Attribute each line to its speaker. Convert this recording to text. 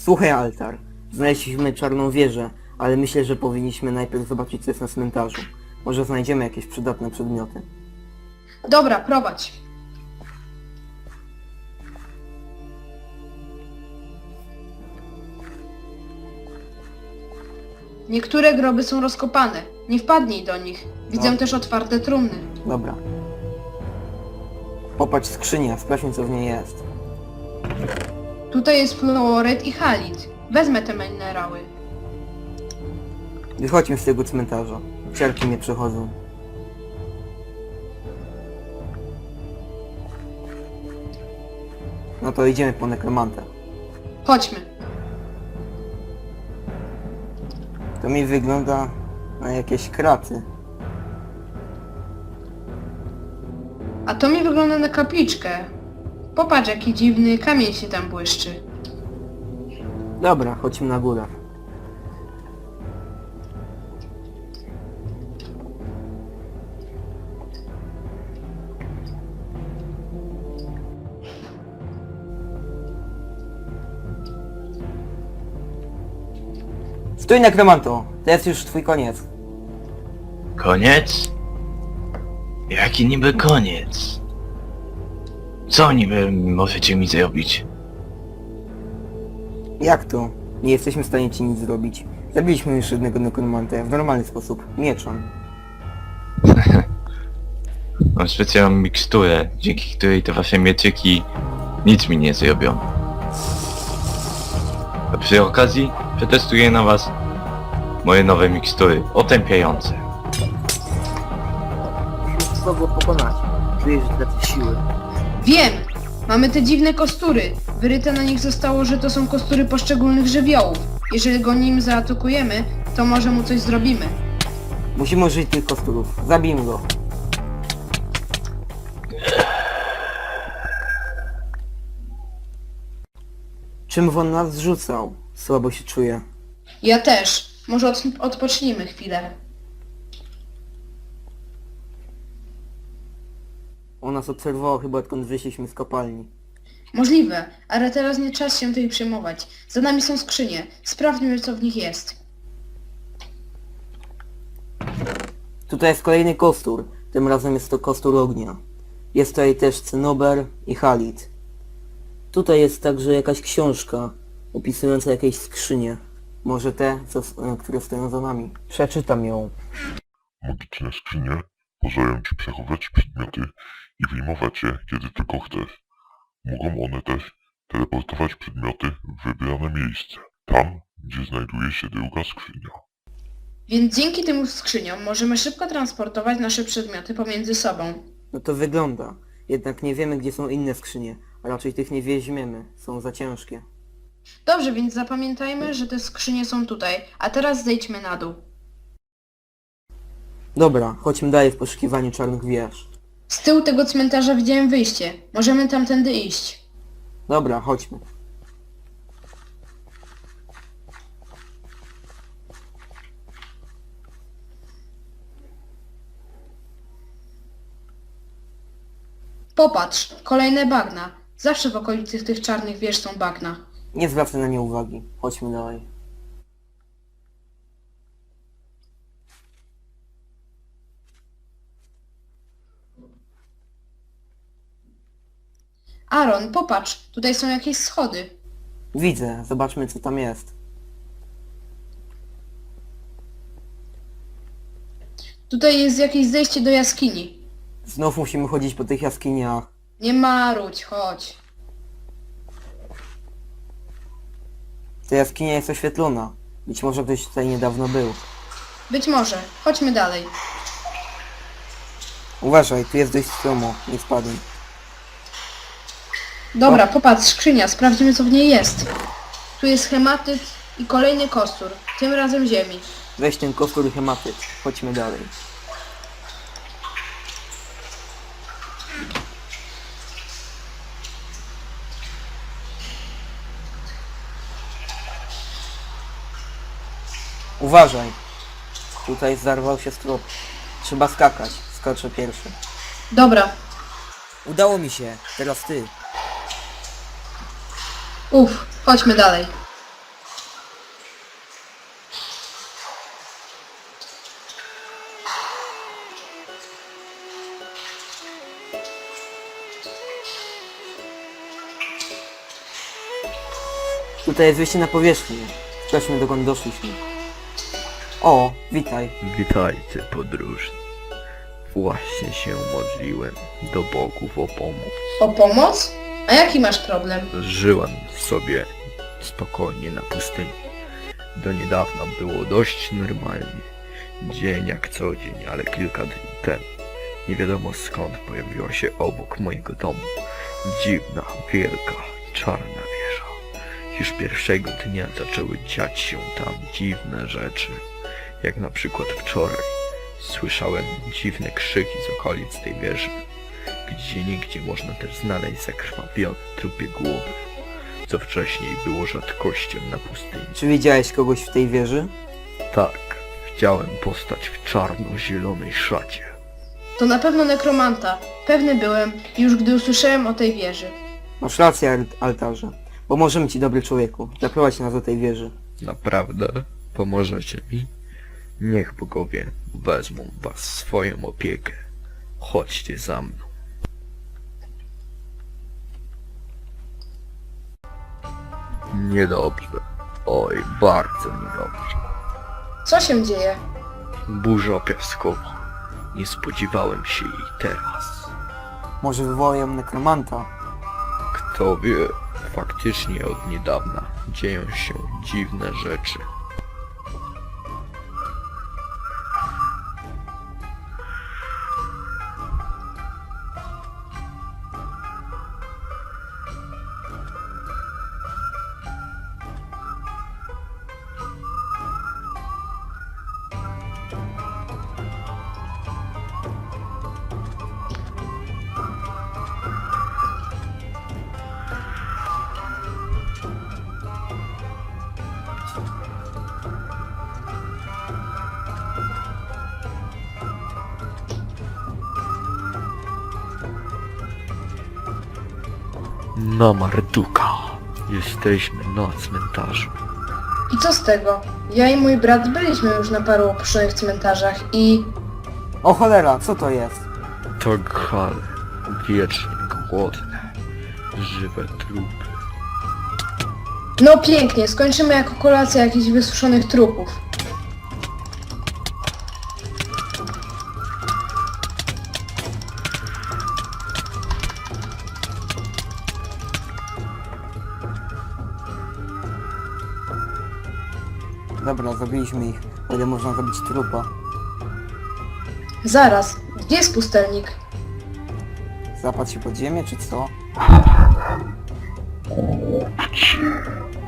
Speaker 1: Słuchaj, Altar. Znaleźliśmy czarną wieżę, ale myślę, że powinniśmy najpierw zobaczyć, co jest na cmentarzu. Może znajdziemy jakieś przydatne przedmioty.
Speaker 2: Dobra, prowadź. Niektóre groby są rozkopane. Nie wpadnij do nich. Widzę
Speaker 1: No.
Speaker 2: też otwarte trumny.
Speaker 1: Dobra. Popatrz skrzynię, sprawdźmy, co w niej jest.
Speaker 2: Tutaj jest fluoryt i halit. Wezmę te minerały.
Speaker 1: Wychodźmy z tego cmentarza. Ciarki mnie przechodzą. No to idziemy po nekromantę.
Speaker 2: Chodźmy.
Speaker 1: To mi wygląda na jakieś kraty.
Speaker 2: A to mi wygląda na kapliczkę. Popatrz, jaki dziwny kamień się tam błyszczy.
Speaker 1: Dobra, chodźmy na górę. Stój, nekromanto! To jest już twój koniec.
Speaker 3: Koniec? Jaki niby koniec? Co niby możecie mi zrobić?
Speaker 1: Jak to? Nie jesteśmy w stanie ci nic zrobić. Zabiliśmy już jednego nekromantę w normalny sposób, mieczem.
Speaker 3: Mam specjalną miksturę, dzięki której te wasze mieczyki nic mi nie zrobią. A przy okazji przetestuję na was moje nowe mikstury otępiające.
Speaker 1: Trzeba było pokonać. Czuję, że tracę siły.
Speaker 2: Wiem! Mamy te dziwne kostury. Wyryte na nich zostało, że to są kostury poszczególnych żywiołów. Jeżeli go nim zaatakujemy, to może mu coś zrobimy.
Speaker 1: Musimy użyć tych kosturów. Zabijmy go. Czym on nas zrzucał? Słabo się czuję.
Speaker 2: Ja też. Może odpocznijmy chwilę.
Speaker 1: On nas obserwował chyba odkąd wyszliśmy z kopalni.
Speaker 2: Możliwe, ale teraz nie czas się tej przejmować. Za nami są skrzynie. Sprawdźmy, co w nich jest.
Speaker 1: Tutaj jest kolejny kostur. Tym razem jest to kostur ognia. Jest tutaj też cynober i halit. Tutaj jest także jakaś książka opisująca jakieś skrzynie. Może te, które stoją za nami. Przeczytam ją.
Speaker 4: Magiczne skrzynie pozwalają ci przechowywać przedmioty i wyjmować je, kiedy tylko chcesz. Mogą one też teleportować przedmioty w wybrane miejsce, tam, gdzie znajduje się druga skrzynia.
Speaker 2: Więc dzięki tym skrzyniom możemy szybko transportować nasze przedmioty pomiędzy sobą.
Speaker 1: No to wygląda. Jednak nie wiemy, gdzie są inne skrzynie. A raczej tych nie weźmiemy. Są za ciężkie.
Speaker 2: Dobrze, więc zapamiętajmy, że te skrzynie są tutaj, a teraz zejdźmy na dół.
Speaker 1: Dobra, chodźmy dalej w poszukiwaniu czarnych wież.
Speaker 2: Z tyłu tego cmentarza widziałem wyjście. Możemy tamtędy iść.
Speaker 1: Dobra, chodźmy.
Speaker 2: Popatrz, kolejne bagna. Zawsze w okolicy tych czarnych wież są bagna.
Speaker 1: Nie zwracaj na nie uwagi. Chodźmy dalej.
Speaker 2: Aaron, popatrz, tutaj są jakieś schody.
Speaker 1: Widzę, zobaczmy, co tam jest.
Speaker 2: Tutaj jest jakieś zejście do jaskini.
Speaker 1: Znów musimy chodzić po tych jaskiniach.
Speaker 2: Nie marudź, chodź.
Speaker 1: Ta jaskinia jest oświetlona. Być może ktoś tutaj niedawno był.
Speaker 2: Być może. Chodźmy dalej.
Speaker 1: Uważaj, tu jest dość stromo. Nie spadnij.
Speaker 2: Dobra, popatrz, skrzynia, sprawdźmy, co w niej jest. Tu jest hematyt i kolejny kostur, tym razem ziemi.
Speaker 1: Weź ten kostur i hematyt. Chodźmy dalej. Uważaj. Tutaj zarwał się strop. Trzeba skakać. Skoczę pierwszy.
Speaker 2: Dobra.
Speaker 1: Udało mi się. Teraz ty.
Speaker 2: Chodźmy dalej.
Speaker 1: Tutaj jest wyjście na powierzchnię. Sprawdźmy, dokąd doszliśmy. O, witaj.
Speaker 5: Witajcie podróżni. Właśnie się modliłem do bogów o pomoc.
Speaker 2: O pomoc? A jaki masz problem?
Speaker 5: Żyłem sobie spokojnie na pustyni. Do niedawna było dość normalnie. Dzień jak co dzień, ale kilka dni temu nie wiadomo skąd pojawiła się obok mojego domu dziwna, wielka, czarna wieża. Już pierwszego dnia zaczęły dziać się tam dziwne rzeczy. Jak na przykład wczoraj słyszałem dziwne krzyki z okolic tej wieży. Gdzieniegdzie można też znaleźć zakrwawione trupie głowy, co wcześniej było rzadkością na pustyni.
Speaker 1: Czy widziałeś kogoś w tej wieży?
Speaker 5: Tak, widziałem postać w czarno-zielonej szacie.
Speaker 2: To na pewno nekromanta. Pewny byłem, już gdy usłyszałem o tej wieży.
Speaker 1: Masz rację, altarze. Pomożemy ci, dobry człowieku. Zaprowadź nas do tej wieży.
Speaker 5: Naprawdę? Pomożecie mi? Niech bogowie wezmą was w swoją opiekę. Chodźcie za mną. Niedobrze. Oj, bardzo niedobrze.
Speaker 2: Co się dzieje?
Speaker 5: Burza piaskowa. Nie spodziewałem się jej teraz.
Speaker 1: Może wywołają nekromanta?
Speaker 5: Kto wie, faktycznie od niedawna dzieją się dziwne rzeczy. Na Marduka. Jesteśmy na cmentarzu.
Speaker 2: I co z tego? Ja i mój brat byliśmy już na paru opuszczonych cmentarzach i...
Speaker 1: O cholera, co to jest?
Speaker 5: To gale. Wiecznie głodne. Żywe trupy.
Speaker 2: No pięknie, skończymy jako kolacja jakichś wysuszonych trupów.
Speaker 1: Dobra, zabiliśmy ich. O ile można zabić trupa.
Speaker 2: Zaraz, gdzie jest pustelnik?
Speaker 1: Zapadł się pod ziemię, czy co?
Speaker 4: Głupcy,